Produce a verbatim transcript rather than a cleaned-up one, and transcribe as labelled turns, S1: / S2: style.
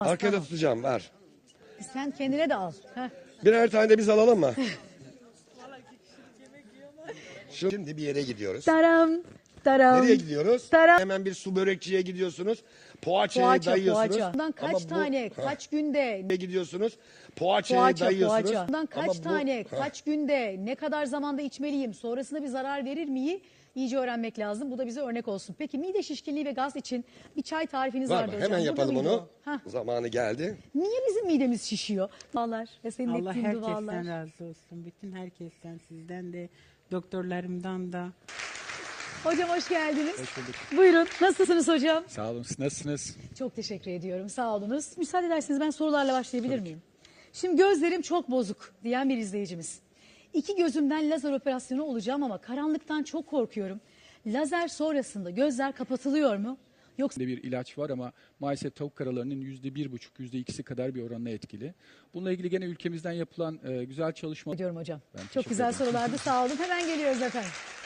S1: Arkada
S2: Tamam.
S1: tutacağım, ver.
S2: Sen kendine de al. Heh.
S1: Birer tane de biz alalım mı? Şimdi bir yere gidiyoruz.
S2: Taram. Taram.
S1: Nereye gidiyoruz?
S2: Taram.
S1: Hemen bir su börekçiye gidiyorsunuz. Poğaçaya
S2: Poğaça,
S1: dayıyorsunuz.
S2: poğaça. Bundan kaç
S1: Ama bu-
S2: tane,
S1: Ha,
S2: kaç günde
S1: nereye gidiyorsunuz? Poğaçaya
S2: poğaça,
S1: dayıyorsunuz.
S2: poğaça. Bundan kaç
S1: Ama bu-
S2: tane,
S1: Ha,
S2: kaç günde, ne kadar zamanda içmeliyim, sonrasında bir zarar verir miyi iyice öğrenmek lazım. Bu da bize örnek olsun. Peki mide şişkinliği ve gaz için bir çay tarifiniz
S1: var
S2: vardı
S1: mı?
S2: hocam.
S1: Hemen
S2: Burada
S1: yapalım
S2: mıydı
S1: onu.
S2: o? Hah.
S1: Zamanı geldi.
S2: Niye bizim midemiz şişiyor? Dualar ve senin
S3: Allah
S2: ettiğin
S3: herkesten
S2: dualar.
S3: razı olsun. Bütün herkesten, sizden de, doktorlarımdan da.
S2: Hocam hoş geldiniz.
S4: Hoş bulduk.
S2: Buyurun. Nasılsınız hocam?
S4: Sağ olun. Siz nasılsınız?
S2: Çok teşekkür ediyorum. Sağ olunuz. Müsaade ederseniz ben sorularla başlayabilir miyim? Şimdi gözlerim çok bozuk diyen bir izleyicimiz. İki gözümden lazer operasyonu olacağım ama karanlıktan çok korkuyorum. Lazer sonrasında gözler kapatılıyor mu? Yoksa
S4: Bir ilaç var ama maalesef tavuk karalarının yüzde bir buçuk, yüzde ikisi kadar bir oranla etkili. Bununla ilgili gene ülkemizden yapılan e, güzel çalışma.
S2: diyorum hocam.
S4: Ben
S2: Çok
S4: teşekkür
S2: güzel
S4: ederim.
S2: sorulardı. Sağ olun. Hemen geliyoruz efendim.